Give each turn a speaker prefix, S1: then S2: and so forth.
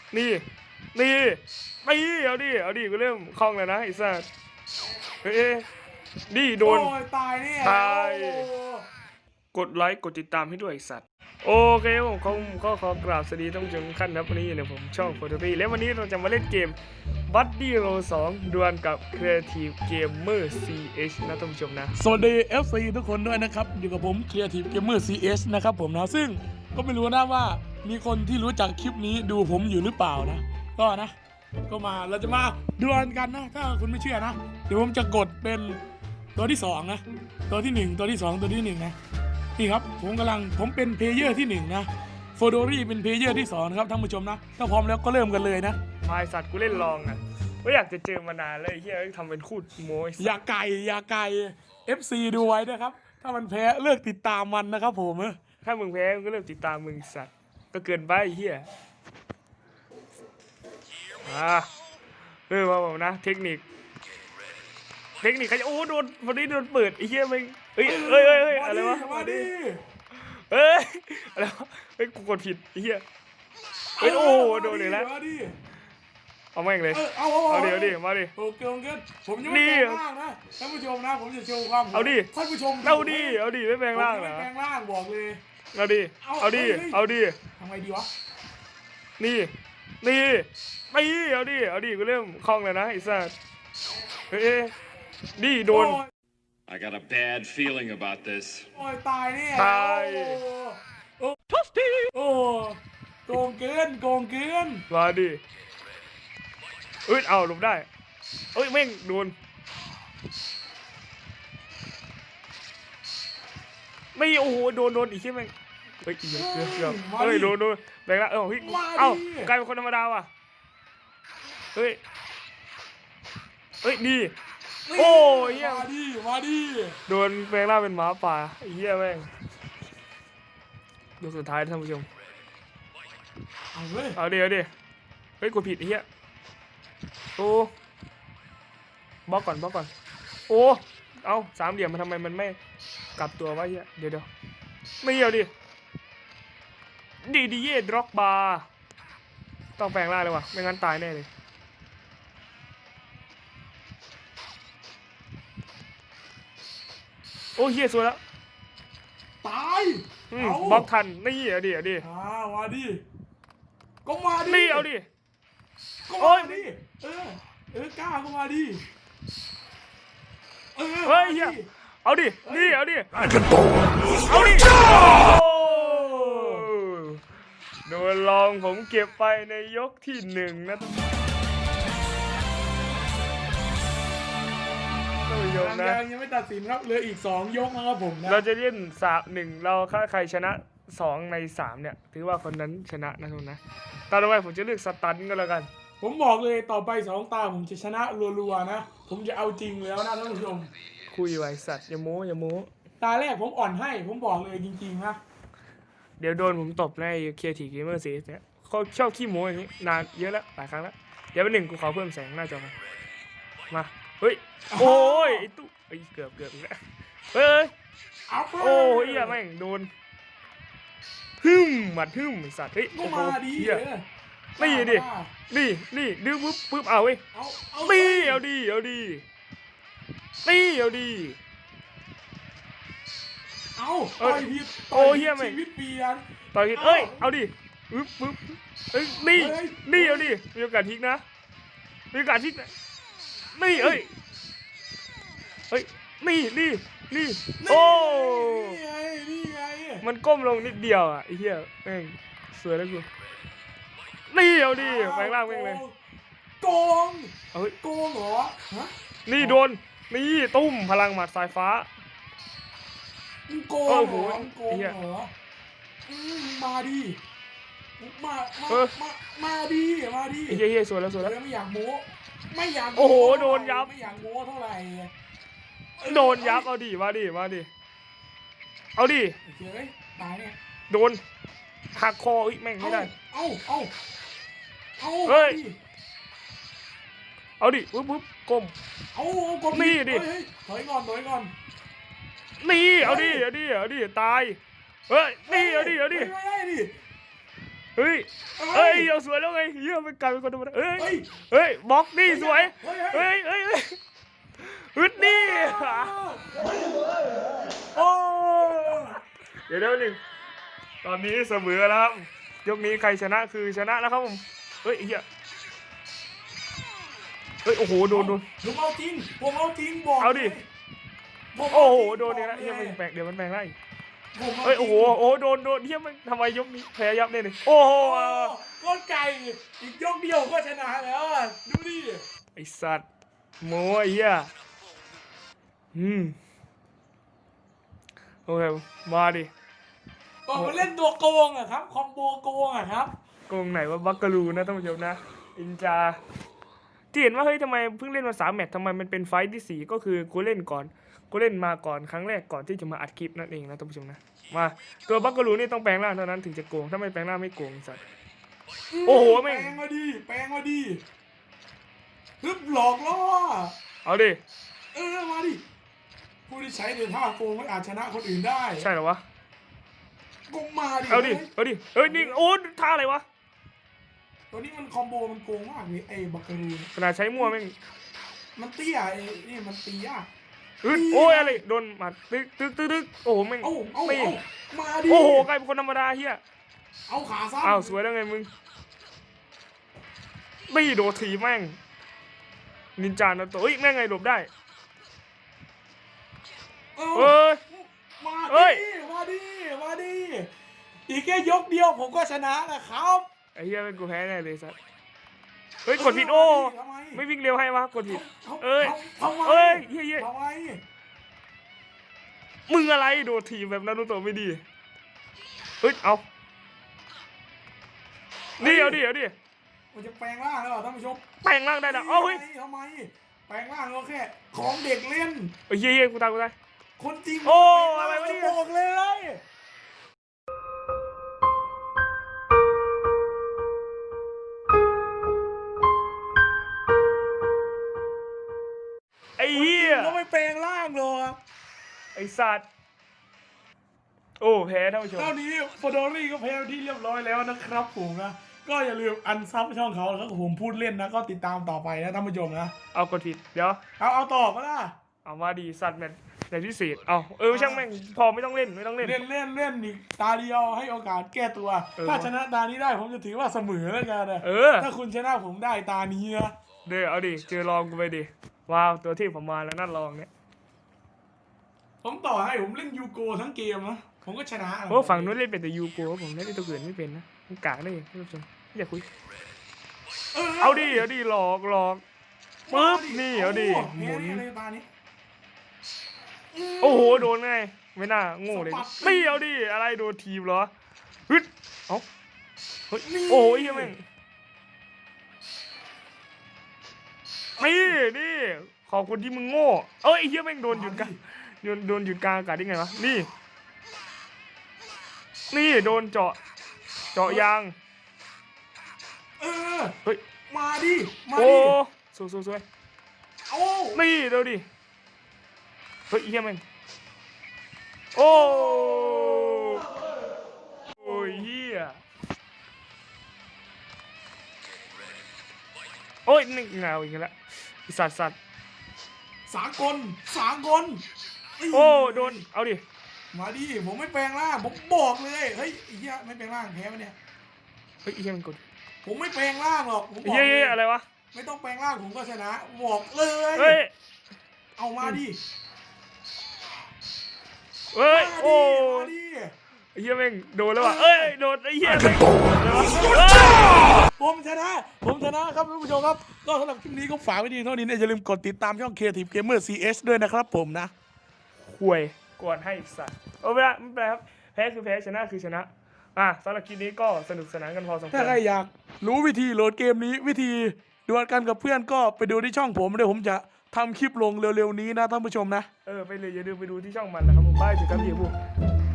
S1: นี่นี่เอาดิกูเริ่มคล่องแล้วนะไอ้สัสเฮ้ยดิโดน
S2: ตายเนี่ย
S1: ตายกดไลค์กดติดตามให้ด้วยไอ้สัตว์โอเคผมขอกราบสวัสดีท่านผู้ชมทุกท่านครับวันนี้อยู่ในผมช่องโฟโตบี้และวันนี้เราจะมาเล่นเกม Buddy Roll 2 ดวลกับ Creative Gamer CH นะท่านผู้ชมนะ
S2: สวัสดี FC ทุกคนด้วยนะครับอยู่กับผม Creative Gamer CH นะครับผมนะซึ่งก็ไม่รู้นะว่ามีคนที่รู้จักคลิปนี้ดูผมอยู่หรือเปล่านะก็มาเราจะมาดวลกันนะถ้าคุณไม่เชื่อนะเดี๋ยวผมจะกดเป็นตัวที่2นะตัวที่1ตัวที่2ตัวที่1นะนี่ครับผมเป็นเพลเยอร์ที่1นะโฟโดรี่เป็นเพลเยอร์ที่2นะครับท่านผู้ชมนะถ้าพร้อมแล้วก็เริ่มกันเลยนะ
S1: พายสัตว์กูเล่นลองอ่ะไม่อยากจะเจอมานานเลยเฮียทำเป็นคูดโม้
S2: อย่าไก่ FC ดูไว้นะครับถ้ามันแพ้เลิกติดตามมันนะครับผม
S1: ถ้ามึงแพ้มึงก็เริ่มติดตามมึงสัตว์ก็เกินไปเฮียมาบอกนะเทคนิคใครจะโอ้โดนวันนี้โดนเปิดไอ้เหี้ยมึงเฮ้ยอะไรวะ
S2: มาดิ
S1: อะไรวะกูกดผิดไอ้เหี้ยโอ้โดนเลยแล้วเอาแม่งเลยเอาดิมาดิ
S2: โอเคผมยังไม่แปลงร่างนะท่านผู้ชมนะผมจะโชว์ความ
S1: เอาดิ
S2: ท่านผู้ชม
S1: เอาดิไม่แปลงร่างเหรอ
S2: แปลงร่างบอกเลย
S1: เอาดิ
S2: ทำไงดีวะ
S1: นี่เอาดิกูเริ่มคล่องแล้วนะไอ้สัสเฮ้ยดิโดน
S3: I got a bad feeling about this
S2: ตายเนี่ย
S1: ตาย
S2: ทัสตี้โกงเกิน
S1: มาดิเอาลงได้แม่งโดนไม่โอ้โหโดนอีกใช่ไหมเกือบโดนแบงค์ละกลายเป็นคนธรรมดาว่ะเฮ้ยดีโอ้ย
S2: มาดิ
S1: โดนแบงค์ล่าเป็นหมาป่าเฮียแม่งยกสุดท้ายท่านผู้ชมเอาดิเฮ้ยกูผิดเฮียโอ้บล็อกก่อนโอ้เอาสามเหลี่ยมมันทำไมมันไม่กลับตัววะเฮียเดี๋ยวไม่เอาดิเย่ดร็อกบาร์ต้องแปลงร่างเลยว่ะไม่งั้นตายแน่เลยโอ้เฮียสวยแล้ว
S2: ตาย
S1: บล็อกทันนี่เอาดิ
S2: มาดิก็มาดิ
S1: นี่เอาดิ
S2: ก็มาดิกล้าก็มาดิ
S1: เฮ้ยเฮียเอาดินี่เอาดิโดนลองผมเก็บไปในยกที่1นะท่านผู้ชมนะ
S2: ยังไม่ตัดสินครับเหลืออีก2ยกนะครับผมนะ
S1: เราจะเล่น3-1เราถ้าใครชนะ2ใน3เนี่ยถือว่าคนนั้นชนะนะทุกนะตอนต่อไปผมจะเลือกสตันก็แล้วกัน
S2: ผมบอกเลยต่อไป2 ตาผมจะชนะรัวๆนะผมจะเอาจริงแล้วนะท่านผู้ชม
S1: คุยไว้สัตว์อย่าโม้
S2: ตาแรกผมอ่อนให้ผมบอกเลยจริงๆนะ
S1: เดี๋ยวโดนผมตบในเคียร์ทีเกมเมอร์ซีเนี่ยเขาชอบขี้โม้อย่างนี้นานเยอะแล้วหลายครั้งแล้วเดี๋ยวเป็น1กูขอเพิ่มแสงหน้าจอมาเฮ้ยโอ้ยไอ้ตุ๊เกือบอีกแล้วเฮ้ยโอ้ยอย่าแม่งโดนหมัดไอ้สัตว์เฮ้ยโอ้โหเหี้ยนี่ดื้อปุ๊บเอาเว้ยเอาดิ
S2: ต่อยผิด
S1: โอ้เฮียแม่ง
S2: ชีวิตเปลี่ยน
S1: ต่อยผิดเอาดิปึ๊บนี่เอาดิมีโอกาสทิ้งนะนี่นี่โอ้
S2: นี่ไง
S1: มันก้มลงนิดเดียวอ่ะไอ้เหี้ยแม่งสวยแล้วกูนี่เอาดิแปลงร่างแม่งเลย
S2: โกงเหรอ
S1: นี่โดนนี่ตุ้มพลังหมัดสายฟ้า
S2: โกงเหรอมาดิมาดิ
S1: เฮียสวยแล้ว
S2: ไม่อยากโม้
S1: โอ้โหโดนยับ
S2: ไม่อยากโม้เท่าไหร่
S1: โดนยับเอาดิมาดิเอาดิ
S2: ตายเนี่ย
S1: โดนหักคอแม่งไม่ได้
S2: เฮ้ย
S1: เอาดิปุ๊บก้มนี่ดิ
S2: ถอยก่อน
S1: นี่เอาดิตายเฮ้ยนี่เอาดิเฮ้ยเฮ้ยเอาสวยแล้วไงเฮียมันกลายเป็นคนธรรมดาเฮ้ย
S2: เฮ้ย
S1: เฮ้ยบล็อกนี่สวย
S2: เฮ้ย
S1: เฮ้ยฮึดนี่
S2: โอ้
S1: เดี๋ยวหนึ่งตอนนี้เสมอแล้วครับยกนี้ใครชนะคือชนะแล้วครับผมเฮ้ยเฮียเฮ้ยโอ้โหโดน
S2: ผมเอาจริงบอก
S1: เอาดิ
S2: ผม
S1: โอ้
S2: เา
S1: โห
S2: จริง
S1: โดนเนี่ยนะ
S2: บ
S1: เฮีย
S2: อก
S1: มัน
S2: ล
S1: แปลกเดี๋ยวมันแปลงได้อีก
S2: ผมา
S1: เฮ้ยโอ้โห
S2: จริง
S1: โอ้โหโดนเฮียมันทำไมยกนี้แพ้ยับเนี่ยนี่โอ้โห
S2: โอ้ก้นไก่อีกยกเดียวก็ชนะแล้วอะดูดิ
S1: ไอสัตว์โม้ไอ้เหี้ยโอเคมาดิ
S2: ก็มาเล่นตัวโกงอะครับคอมโบโกงอะครับ
S1: โกงไหนว่าบักกะลูนะท่านผู้ชมนะอินจาที่เห็นว่าเฮ้ยทำไมเพิ่งเล่นมา3 แมตช์ทำไมมันเป็นไฟท์ที่4ก็คือกูเล่นก่อนกูเล่นมาก่อนครั้งแรกก่อนที่จะมาอัดคลิปนั่นเองนะท่านผู้ชมนะมาตัวบักกะลูนี่ต้องแปลงร่างเท่านั้นถึงจะโกงถ้าไม่แปลงร่างไม่โกงไอ้สัตว์ โอ้โหแม่
S2: แป
S1: ง
S2: ลงมาดิฮึบหลอกล่อ
S1: เอาดิ
S2: มาดิผู้ที่ใช้ในท่าโกงไม่อาจชนะคนอื่นได้
S1: ใช่เหรอวะ
S2: ก็มาดิ
S1: เอาดิเฮ้ยนี่โอ้ท่าอะไรวะ
S2: ตัวนี้มันคอมโบมันโกงมากเลยไอ้บักกะรูน
S1: ขนาดใช้มั่วแม่ง
S2: มันเตี้ยไอ้นี่มันตียาก
S1: โอ้ยอะไรโดนหมัดตึกโอ้โหแม่ง
S2: เอา
S1: ไม่
S2: มาดิ
S1: โอ้โหกลายเป็นคนธรรมดาเฮีย
S2: เอาขาซ้ำ
S1: อ้าวสวยแล้วไงมึงไม่โดดถีบแม่งนินจานาโตะเฮ้ยแม่งไงหลบได้
S2: เอา
S1: เอ้ย
S2: มา
S1: เอ้ย
S2: มาดิอีกแค่ยกเดียวผมก็ชนะนะครับ
S1: ไอ้เหี้ยเป็นกูแพ้แน่เลยสัสเฮ้ยกดผิดโอ้
S2: ทำไม
S1: ไม่วิ่งเร็วให้วะกดผิด
S2: ทำ
S1: เอ้ย
S2: ทำไม
S1: เอ้ยเหี้ย
S2: ทำไม
S1: มึงอะไรโดดถีบแบบนารูโตะไม่ดีเฮ้ยเอานี่เอาดิ
S2: มันจะแปลงร่างแล้วเหรอท่านผู้ชม
S1: แปลงร่างได้นะเอาเฮ้ย
S2: ทำไมแปลงร่างก็แค่ของเด็กเล่น
S1: เฮ้ยเหี้ยกูตาย
S2: คนจริง
S1: โอ้
S2: แปลง
S1: อะไร
S2: ร่าง
S1: วะเนี่ย
S2: บอกเลย
S1: ไอ้เหี้ย
S2: ก็ไม่แปลงร่างหรอก
S1: ไอ้สัตว์โอ้แพ้ท่านผู้ชม
S2: เท่านี้ฟอดอรี่ก็แพ้ที่เรียบร้อยแล้วนะครับผมนะก็อย่าลืมอันซับช่องเขาแล้วก็ผมพูดเล่นนะก็ติดตามต่อไปนะท่านผู้ชมนะ
S1: เอากดผิดเดี๋ยว
S2: เอาต่อก็ได้
S1: เอามาดีสัตว์แมนพิเศษเอาช่างแม่งพอไม่ต้องเล่น
S2: เล่นอีกตาเดียวให้โอกาสแก้ตัว ถ้าชนะตานี้ได้ผมจะถือว่าเสมอแล้วกันนะ ถ้าคุณชนะผมได้ตานี้นะ
S1: เดี๋ยวเอาดิเจอลองกูไปดิว้าวตัวที่ผมมาแล้วนั่นลองเนี่ย
S2: ผมต่อให้ผมเล่นยูโกทั้งเกมนะผมก็ชนะ
S1: โอ้ฝั่งนู้นเล่นเป็นแต่ยูโกผมเล่นตัวอื่นไม่เป็นนะมันกากได้ท่านผู้ชมอย่าคุยเอาดิหลอกปึ๊บนี่เอาดิหมุน
S2: เลยตานี้
S1: โอ้โหโดนไงไม่น่าโง่เลยไม่เอาดิอะไรโดนทีมเหรอฮึดเอ้าเฮ้ยโอ้ยแม่งนี่ขอบคุณที่มึงโง่เอ้ยไอ้เหี้ยแม่งโดนหยุดกันโดนหยุดกลางอากาศได้ไงวะนี่โดนเจาะยาง เฮ้ย
S2: มาดิ
S1: โอ้สวย
S2: โอ้
S1: นี่เดี๋ยวดิเฮ้ยเฮียแม่งโอ้ยเฮียโอ้ยนี่เงาอีกแล้วสัตว์
S2: สากลนี่
S1: โอ้โดนเอาดิ
S2: มาดิผมไม่แปลงร่างผมบอกเลยเฮ้ยไอ้เหี้ยไม่แปลงร่างแพ้ไหมเนี่ย
S1: เฮ้ยเฮียมันกด
S2: ผมไม่แปลงร่างหรอกผมบอก
S1: เฮีย
S2: เลย
S1: อะไรวะ
S2: ไม่ต้องแปลงร่างผมก็ชนะบอกเลย
S1: เฮ้ย
S2: เอามาดิ
S1: เฮ้ยโอ้
S2: มาดิ
S1: เฮียแม่งโดนแล้วว่ะเอ้ยโดนไอ้เฮียแม่งอะไรวะ
S2: ผมชนะครับท่านผู้ชมครับก็สำหรับคลิปนี้ก็ฝากไว้ดีเท่านี้นะอย่าลืมกดติดตามช่อง Creative Gamer CS ด้วยนะครับผมนะ
S1: ห่วยก่อนให้อีกสัตว์ไม่เป็นไรครับแพ้คือแพ้ชนะคือชนะสำหรับคลิปนี้ก็สนุกสนานกันพอสมควร
S2: ถ้าใครอยากรู้วิธีโหลดเกมนี้วิธีดวลกันกับเพื่อนก็ไปดูที่ช่องผมเดี๋ยวผมจะทำคลิปลงเร็วๆนี้นะท่านผู้ชมนะ
S1: ไปเลยอย่าลืมไปดูที่ช่องมันนะครับผมบ้ายถึงกับพี่บุก